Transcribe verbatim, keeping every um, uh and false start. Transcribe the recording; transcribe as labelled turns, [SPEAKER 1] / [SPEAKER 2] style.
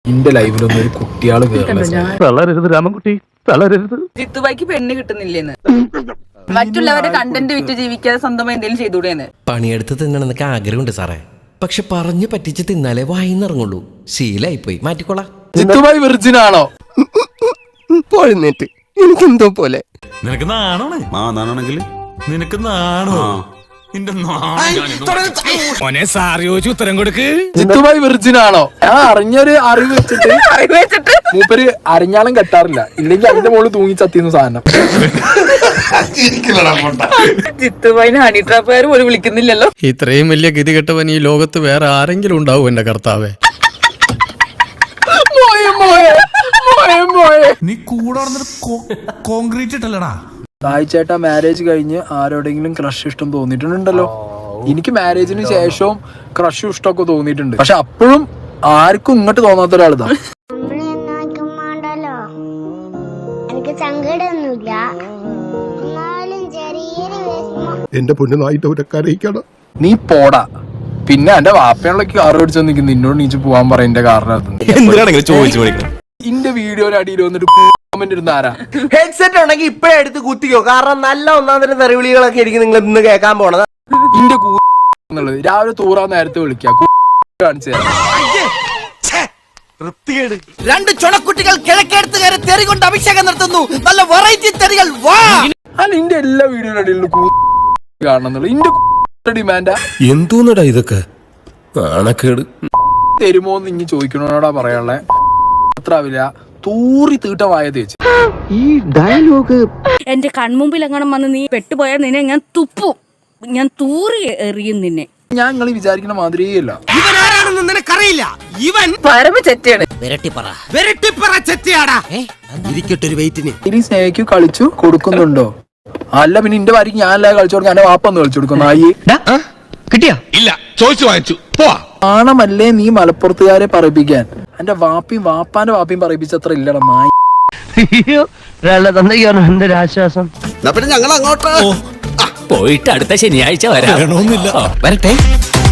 [SPEAKER 1] എന്റെ ലൈവിലൊന്നും ഒരു കുട്ടിയാള്
[SPEAKER 2] തളരരുത് രാമൻകുട്ടി, തളരരുത്.
[SPEAKER 3] ജിത്തുബായിക്ക് പെണ്ണ് കിട്ടുന്നില്ലെന്ന്, മറ്റുള്ളവരുടെ കണ്ടന്റ് വിറ്റ് ജീവിക്കാതെ സ്വന്തമായി എന്തെങ്കിലും ചെയ്തുകൂടെയെന്ന്.
[SPEAKER 4] പണിയെടുത്ത് തിന്നണമെന്നൊക്കെ ആഗ്രഹമുണ്ട് സാറേ, പക്ഷെ പറഞ്ഞു പറ്റിച്ച് തിന്നാലേ വായിന്നിറങ്ങുള്ളൂ. ശീലായി പോയി, മാറ്റിക്കോളാം.
[SPEAKER 1] ജിത്തുബായി വെർജിൻ ആണോ?
[SPEAKER 5] പോഴുന്നേറ്റ് എനിക്കെന്തോ പോലെ.
[SPEAKER 6] നിനക്ക് നാണോണേ? ആ നാണെങ്കിൽ നിനക്ക് നാണോ?
[SPEAKER 2] ഉത്തരം കൊടുക്ക്.
[SPEAKER 1] ജിത്തുബായി വെർജിൻ ആണോ? ഞാൻ അറിഞ്ഞൊരു അറിവ് വെച്ചിട്ട്
[SPEAKER 3] വെച്ചിട്ട്
[SPEAKER 1] മൂപ്പര് അരിഞ്ഞാലും കെട്ടാറില്ല, ഇല്ലെങ്കിൽ അതിന്റെ മുകളിൽ തൂങ്ങി ചത്തിന്ന് സാധനം.
[SPEAKER 3] ജിത്തുബായിനെ ഹണി ട്രാപ്പുകാർ പോലും വിളിക്കുന്നില്ലല്ലോ.
[SPEAKER 7] ഇത്രയും വലിയ ഗതി കെട്ടവൻ ഈ ലോകത്ത് വേറെ ആരെങ്കിലും ഉണ്ടാവും എന്റെ കർത്താവേ?
[SPEAKER 6] നീ കൂടെ കോൺക്രീറ്റ് ഇട്ടല്ലടാ.
[SPEAKER 1] സായിച്ചേട്ടാ മാരേജ് കഴിഞ്ഞ് ആരോടെങ്കിലും ക്രഷ് ഇഷ്ടം തോന്നിയിട്ടുണ്ടല്ലോ? എനിക്ക് മാരേജിന് ശേഷവും ക്രഷും ഇഷ്ടമൊക്കെ തോന്നിയിട്ടുണ്ട്, പക്ഷെ അപ്പോഴും ആർക്കും ഇങ്ങോട്ട് തോന്നാത്ത ഒരാളിതാ.
[SPEAKER 5] എന്റെ പൊന്നുനായിട്ട് ഒരു കരയിക്കണം.
[SPEAKER 1] നീ പോടാ. പിന്നെ എന്റെ വാപ്പയാളൊക്കെ കാറ് പിടിച്ചു നിൽക്കുന്നു, നിന്നോട് നീച്ച് പോവാൻ പറയന്റെ കാരണം ഇന്റെ വീഡിയോയുടെ അടിയിൽ വന്നിട്ട് കമന്റ് ഇടുന്ന ആരാ?
[SPEAKER 5] ഹെഡ്സെറ്റ് ഉണ്ടെങ്കിൽ ഇപ്പഴേ എടുത്ത് കുത്തിക്കോ, കാരണം നല്ല ഒന്നാം തരം തെറിവിളികളൊക്കെ ആയിരിക്കും നിങ്ങൾ ഇന്ന് കേൾക്കാൻ പോണത്.
[SPEAKER 1] ഇന്റെ കൂന്നുള്ളത് രാവിലെ തൂറാൻ നേരത്തെ വിളിക്കുക കാണിച്ചു തരാം.
[SPEAKER 4] രണ്ട് ചുണക്കുട്ടികൾ കിഴക്കേടുത്തുകാരെ തെറി കൊണ്ട് അഭിഷേകം നടത്തുന്നു. നല്ല വെറൈറ്റി തെറികൾ.
[SPEAKER 1] അല്ല ഇന്റെ എല്ലാ വീഡിയോയുടെ അടിയിലും കൂ കാണുന്നുള്ളു. ഇന്റെ ഡിമാൻഡാ
[SPEAKER 7] എന്തോന്നടാ ഇതൊക്കെ? നാണക്കേട്.
[SPEAKER 1] തരുമോന്ന് ഇനി ചോദിക്കണോടാ പറയാനുള്ളേ. അത്രാവില്ല തൂറി തീട്ടമായ തേച്ച്
[SPEAKER 5] ഈ ഡയലോഗ്
[SPEAKER 8] എന്റെ കൺമുമ്പിൽ എങ്ങനെ വന്ന് നീ പെട്ടുപോയാൽ നിന്നെ ഞാൻ തുപ്പും, ഞാൻ തൂറി എറിയും നിന്നെ.
[SPEAKER 1] ഞാൻ നിങ്ങൾ വിചാരിക്കുന്ന മാതിരിയല്ല.
[SPEAKER 4] ഇവനാരാണെന്ന് നിനക്കറിയില്ല. ഇവൻ
[SPEAKER 3] പരമ ചെറ്റയാണ്.
[SPEAKER 4] വിരട്ടിപ്പറ വിരട്ടിപ്പറ ചെത്തിയാടാ. ഇരിക്കട്ടൊരു വെയിറ്റിന്.
[SPEAKER 1] ഇനി സ്നേഹിക്കു കളിച്ചു കൊടുക്കുന്നുണ്ടോ? അല്ല പിന്നെ ഇന്റെ വാരിക്ക് ഞാനല്ല കളിച്ചു കൊടുക്കാൻ, എന്റെ വാപ്പ ഒന്ന് കളിച്ചു കൊടുക്കുന്നു. ആയി
[SPEAKER 2] കിട്ടിയാ? ഇല്ല, ചോദിച്ചു വാങ്ങിച്ചു. പോവാ.
[SPEAKER 1] ആണമല്ലേ നീ മലപ്പുറത്തുകാരെ പറയിപ്പിക്കാൻ? എന്റെ വാപ്പിയും വാപ്പാന്റെ വാപ്പിയും പറയിപ്പിച്ചത്ര ഇല്ലടാ നായി.
[SPEAKER 7] എന്റെ ആശ്വാസം.
[SPEAKER 4] പിന്നെ ഞങ്ങൾ അങ്ങോട്ട് പോയിട്ട് അടുത്ത ശനിയാഴ്ച വരാം.
[SPEAKER 2] വേണമെന്നില്ല.
[SPEAKER 4] വരട്ടെ.